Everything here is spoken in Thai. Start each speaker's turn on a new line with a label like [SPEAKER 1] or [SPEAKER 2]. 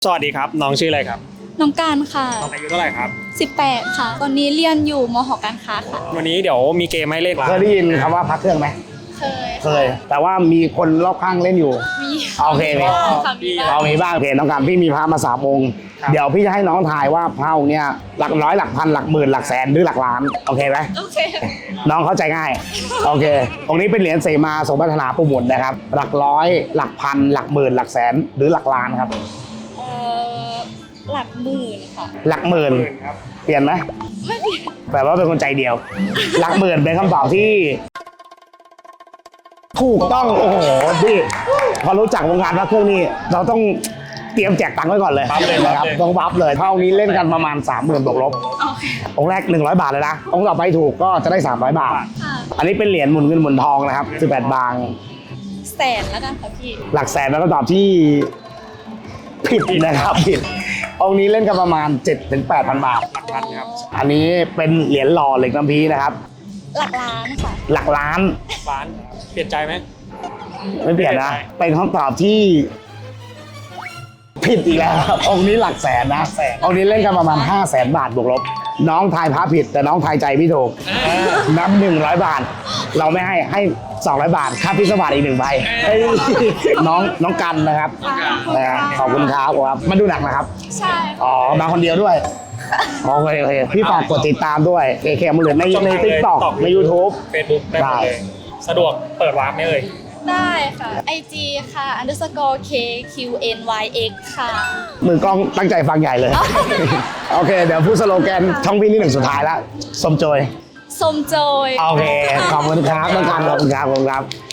[SPEAKER 1] สวัสดีครับน้องชื่ออะไรครับ
[SPEAKER 2] น้องการค่ะ
[SPEAKER 1] น้องอายุเท่าไหร่ครับ
[SPEAKER 2] 18ค่ะตอนนี้เรียนอยู่มห.การค้าค่ะ
[SPEAKER 1] วันนี้เดี๋ยวมีเกมให้เล่น
[SPEAKER 3] เคยได้ยินคำว่าพักเครื่องไหมเคยแต่ว่ามีคนรอบข้างเล่นอยู่
[SPEAKER 2] มี
[SPEAKER 3] โอเคไหมเรามีบ้างเพจน้องการพี่มีพระมา3 องค์เดี๋ยวพี่จะให้น้องทายว่าพระองค์เนี่ยหลักร้อยหลักพันหลักหมื่นหลักแสนหรือหลักล้านโอเคไหม
[SPEAKER 2] โอเค
[SPEAKER 3] น้องเข้าใจง่ายโอเคองค์นี้เป็นเหรียญเสมาทรงพัฒนาปูหมุนนะครับหลักร้อยหลักพันหลักหมื่นหลักแสนหรือหลักล้านครับ
[SPEAKER 2] หลักหมื่นค่ะ
[SPEAKER 3] หลักหมื่น
[SPEAKER 1] ครับ
[SPEAKER 3] เปลี่ยนไหม
[SPEAKER 2] ไม่เปลี่ยน
[SPEAKER 3] แปลว่าเป็นคนใจเดียวหลักหมื่นเป็นคำตอบที่ถูกต้องโอ้โหพี่พอรู้จักวงการพระเครื่องนี่เราต้องเตรียมแจกตังค์ไว้ก่อนเลยนะครับต้องบัฟเลยเท่านี้เล่นกันประมาณ 30,000 บวกลบองค์แรก100 บาทเลยนะองค์ต่อไปถูกก็จะได้300 บาทอันนี้เป็นเหรียญหมุนเงินหมุนทองนะครับ18 บาง
[SPEAKER 2] แสนแล้วกันค่ะพี่
[SPEAKER 3] หลักแสนแล้วก็ตอบที่ผิดนะครับผิดองค์นี้เล่นกันประมาณ 7-8,000 บาท
[SPEAKER 1] หลักพันครับ
[SPEAKER 3] อันนี้เป็นเหรียญหล่อเหล็กน้ำพีนะครับ
[SPEAKER 2] หลักล้านค่ะ
[SPEAKER 3] หลักล้าน
[SPEAKER 1] ล้านเปลี่ยนใจไหม
[SPEAKER 3] ไม่เปลี่ยนนะเป็นคำตอบที่ผิดอีกแล้วครับองค์นี้หลักแสนนะองค์นี้เล่นกันประมาณ 500,000 บาทบวกลบน้องทายพระผิดแต่น้องทายใจพี่ถูกนับ100 บาทเราไม่ให้200 บาทค่าพิศวาสอีก1 ใบน้องกันนะครับขอบคุณครับมาดูหนักนะครับ
[SPEAKER 2] ใช่
[SPEAKER 3] อ๋อมาคนเดียวด้วยโอเคพี่ฝากกดติดตามด้วยเคมเหลือใน TikTok ใน YouTube
[SPEAKER 1] Facebook ได้หมดเลยสะดวกเปิดวาร์ปไหมเอ่ย
[SPEAKER 2] ได้ค่ะ IG ค่ะ _KQNYX ค่ะ
[SPEAKER 3] มือกล้องตั้งใจฟังใหญ่เลยโอเคเดี๋ยวพูดสโลแกนช่องพี่นี่1 สุดท้ายแล้วสมโจย
[SPEAKER 2] สมโจย
[SPEAKER 3] โอเคขอบคุณครับต้องการขอบคุณครับ